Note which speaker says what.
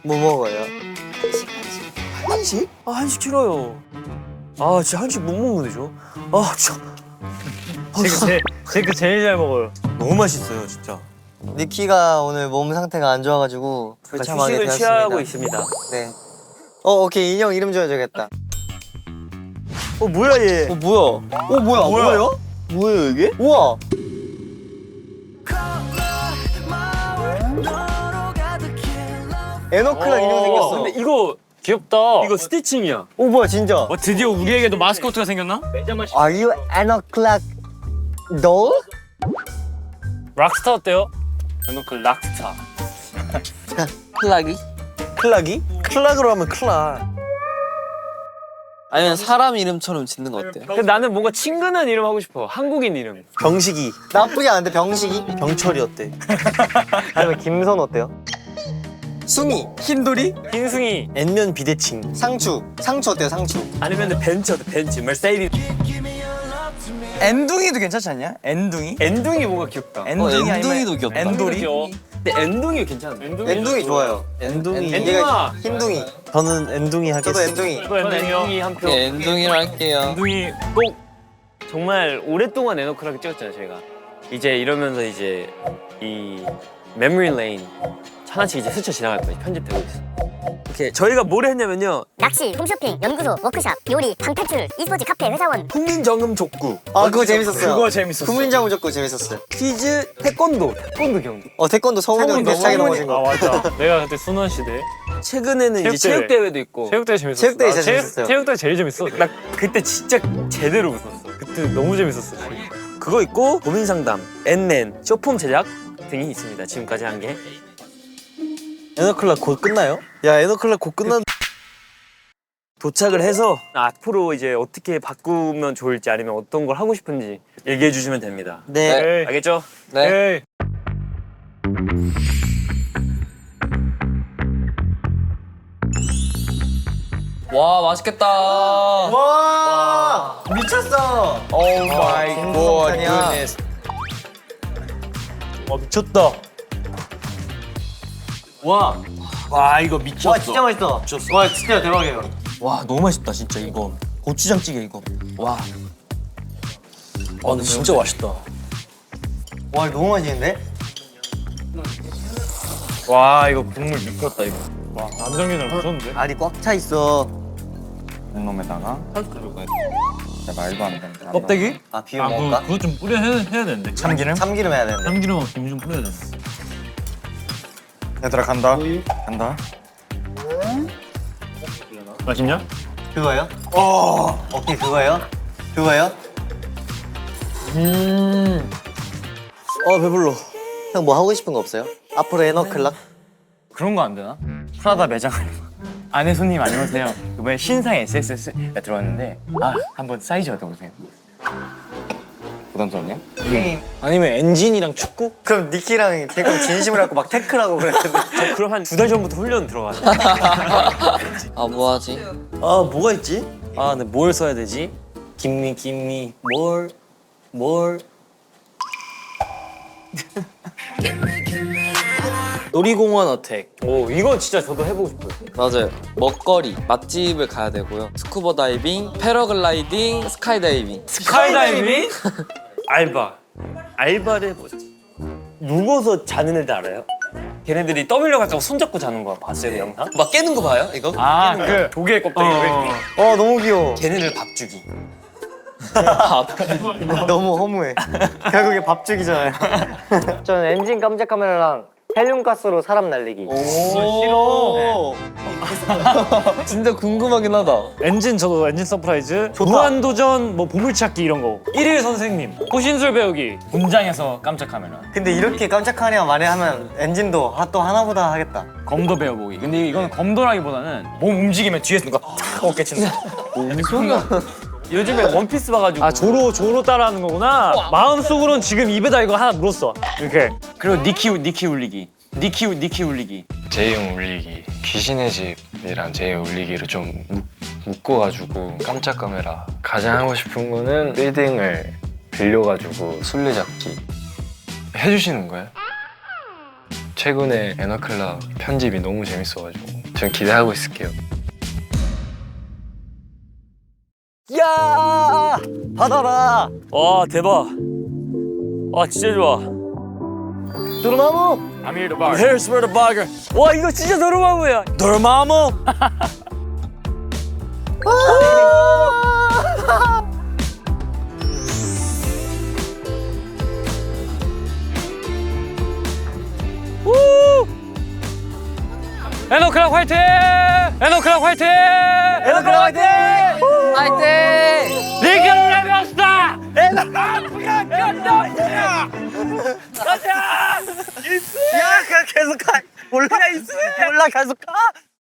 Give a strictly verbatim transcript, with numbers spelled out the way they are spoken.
Speaker 1: 뭐 먹어요?
Speaker 2: 한식? 아 한식 싫어요. 아 진짜 한식 못 먹는데 저. 아 진짜.
Speaker 3: 제가 제가 제일 잘 먹어요.
Speaker 2: 너무 맛있어요 진짜.
Speaker 1: 니키가 오늘 몸 상태가 안 좋아가지고 불참하게
Speaker 2: 휴식을
Speaker 1: 되었습니다.
Speaker 2: 취하고 있습니다.
Speaker 1: 네. 어 오케이 인형 이름 지어줘야겠다.
Speaker 2: 어 뭐야 얘?
Speaker 1: 어 뭐야? 어 뭐야? 뭐예요? 뭐예요 이게? 우와. 에너클락 인형 생겼어.
Speaker 3: 근데 이거 귀엽다.
Speaker 2: 이거 스티칭이야.
Speaker 1: 오 뭐야 진짜?
Speaker 3: 어, 드디어 우리에게도 마스코트가 생겼나?
Speaker 1: Are you 에너클락 doll?
Speaker 3: 락스타 어때요? 에너클 락스타.
Speaker 4: 클락이?
Speaker 2: 클락이? 클락으로 하면 클락.
Speaker 4: 아니면 사람 이름처럼 짓는 거 어때요?
Speaker 3: 근데 나는 뭔가 친근한 이름 하고 싶어. 한국인 이름.
Speaker 2: 병식이.
Speaker 1: 나쁘지 않은데 병식이?
Speaker 2: 병철이 어때?
Speaker 1: 아니면 김선 어때요? 숭이,
Speaker 2: 흰돌이?
Speaker 3: 흰승이.
Speaker 2: N면 비대칭.
Speaker 1: 상추, 상추 어때요 상추?
Speaker 2: 아니면 벤츠 어때? 벤츠. mercedes.
Speaker 5: 엔둥이도 괜찮지 않냐? 엔둥이?
Speaker 3: 엔둥이 뭔가 귀엽다.
Speaker 5: 엔둥이
Speaker 4: 어, 엔둥이도
Speaker 5: 아니면
Speaker 4: 귀엽다.
Speaker 5: 엔돌이?
Speaker 3: 귀여워.
Speaker 2: 근데 엔둥이 괜찮은데.
Speaker 3: 엔둥이,
Speaker 1: 엔둥이 좋아요.
Speaker 2: 엔둥이.
Speaker 3: 엔둥아.
Speaker 1: 얘가 흰둥이,
Speaker 2: 저는 엔둥이
Speaker 1: 저도
Speaker 2: 하겠습니다.
Speaker 1: 엔둥이.
Speaker 3: 저도 엔둥이 한 표.
Speaker 4: 네, 엔둥이로 할게요.
Speaker 3: 엔둥이 꼭 정말 오랫동안 에너클하게 찍었잖아요 저희가. 이제 이러면서 이제 이 메모리 레인 하나씩 이제 스쳐 지나갈 거예요. 편집되고 있어.
Speaker 2: 오케이 저희가 뭘 했냐면요.
Speaker 6: 낚시, 홈쇼핑, 연구소, 워크샵, 요리, 방탈출, e스포츠 카페, 회사원.
Speaker 2: 국민정음 족구,
Speaker 1: 아 그거 재밌었어요.
Speaker 5: 그거 재밌었어.
Speaker 1: 국민장우 적고 재밌었어요.
Speaker 2: 퀴즈, 태권도, 태권도 경기.
Speaker 1: 어 태권도 성훈이 형 비슷하게 넘어진
Speaker 3: 아
Speaker 1: 거.
Speaker 3: 맞다. 내가 그때 순원 시대.
Speaker 2: 최근에는 이제
Speaker 3: 체육대회.
Speaker 2: 체육대회도 있고.
Speaker 3: 체육대회 재밌었어.
Speaker 1: 체육대회
Speaker 3: 나
Speaker 1: 진짜
Speaker 3: 체육-
Speaker 1: 재밌었어요.
Speaker 3: 체육대회 제일 재밌어. 나 그때 진짜 제대로 웃었어. 그때 너무 재밌었어.
Speaker 2: 그거 있고 고민상담, 엔넨, 쇼폼 제작 등이 있습니다. 지금까지 한 게. 에너클락 곧 끝나요? 야 에너클락 곧 끝난. 도착을 해서 앞으로 이제 어떻게 바꾸면 좋을지 아니면 어떤 걸 하고 싶은지 얘기해 주시면 됩니다.
Speaker 1: 네.
Speaker 3: 에이. 알겠죠?
Speaker 4: 네.
Speaker 3: 에이.
Speaker 4: 와, 맛있겠다.
Speaker 1: 와 미쳤어.
Speaker 5: 오 마이 갓.
Speaker 1: 굿네스.
Speaker 2: 와 미쳤다. 와, 와 이거 미쳤어.
Speaker 1: 와 진짜 맛있어.
Speaker 2: 미쳤어.
Speaker 1: 와 진짜 대박이에요.
Speaker 2: 와 너무 맛있다 진짜 이거. 고추장찌개 이거. 와. 와 근데 진짜 맛있다.
Speaker 1: 와 너무 맛있는데?
Speaker 3: 와 이거 국물 미쳤다 이거. 와 남정균이랑 무서운데?
Speaker 1: 알이 꽉 차 있어.
Speaker 5: 놈에다가 말도 안 된다.
Speaker 2: 껍데기?
Speaker 1: 아 비벼 먹을까?
Speaker 3: 그거 좀 뿌려 해야, 해야 되는데.
Speaker 5: 참기름?
Speaker 1: 참기름 해야 되는데.
Speaker 3: 참기름하고 김 좀 뿌려야 되는데.
Speaker 5: 얘들아 간다. 간다.
Speaker 3: 맛있냐?
Speaker 1: 그거요? 어. 오케이 그거요? 그거요? 음.
Speaker 2: 어 배불러.
Speaker 1: 형 뭐 하고 싶은 거 없어요? 앞으로 에너클락?
Speaker 5: 그런 거 안 되나? 프라다 매장 안에 손님 안녕하세요. 이번에 신상 에스에스가 들어왔는데 아 한번 사이즈 어떠세요? 부담스럽냐?
Speaker 2: 아니면 엔진이랑 축구?
Speaker 1: 그럼 니키랑 대금 진심을 갖고 막 태클하고 그랬는데.
Speaker 2: 저 그럼 한 두 달 전부터 훈련 들어가요.
Speaker 4: 아, 뭐 하지?
Speaker 2: 아 뭐가 있지? 아 근데 뭘 써야 되지? 김미 김미 뭘 뭘? 놀이공원 어택.
Speaker 3: 오 이거 진짜 저도 해보고 싶어요.
Speaker 4: 맞아요. 먹거리, 맛집을 가야 되고요. 스쿠버 다이빙, 패러글라이딩, 스카이다이빙.
Speaker 3: 스카이다이빙?
Speaker 2: 알바. 알바를 해보자. 누워서 자는 애들 알아요? 걔네들이 떠밀려가지고 손잡고 자는 거 봤어요 그 영상? 막 깨는 거 봐요 이거?
Speaker 3: 아 그 조개 껍데기.
Speaker 1: 어 너무 귀여워.
Speaker 2: 걔네를 밥 주기.
Speaker 1: 너무 허무해. 결국에 밥 죽이잖아요. 저는 엔진 깜짝 카메라랑 헬륨가스로 사람 날리기.
Speaker 3: 싫어.
Speaker 4: 진짜 궁금하긴 하다.
Speaker 3: 엔진 저도 엔진 서프라이즈. 무한도전 뭐 보물찾기 이런 거. 일일 선생님. 호신술 배우기.
Speaker 5: 분장해서 깜짝 카메라.
Speaker 1: 근데 이렇게 깜짝 카메라 만에 하면 엔진도 아, 또 하나보다 하겠다.
Speaker 5: 검도 배워보기. 근데 이거는 검도라기보다는 몸 움직이면 뒤에서 누가 탁 어깨 친다.
Speaker 3: 요즘에 원피스 봐가지고. 아 조로 조로 따라하는 거구나. 마음속으로는 지금 입에다 이거 하나 물었어. 이렇게.
Speaker 5: 그리고 니키 니키 울리기. 니키 니키 울리기.
Speaker 7: 제이형 울리기, 귀신의 집이랑 제이형 울리기를 좀 묶, 묶어가지고 깜짝 카메라. 가장 하고 싶은 거는 빌딩을 빌려가지고 술래잡기 해주시는 거예요. 최근에 에너클락 편집이 너무 재밌어가지고 전 기대하고 있을게요.
Speaker 1: 야 받아라.
Speaker 3: 와 대박. 와 진짜 좋아.
Speaker 1: 도르마무.
Speaker 5: I'm here to bar.
Speaker 3: Here's for the burger. 와 이거 진짜 도르마무야. 도르마무. 에너클락 화이팅! 에너클락 화이팅! 에너클락 화이팅!
Speaker 4: 화이팅!
Speaker 3: 리그를 레벨스타! 에너클락 가자! 가자!
Speaker 1: 야 그냥 계속 가. 몰라 몰라 계속 가.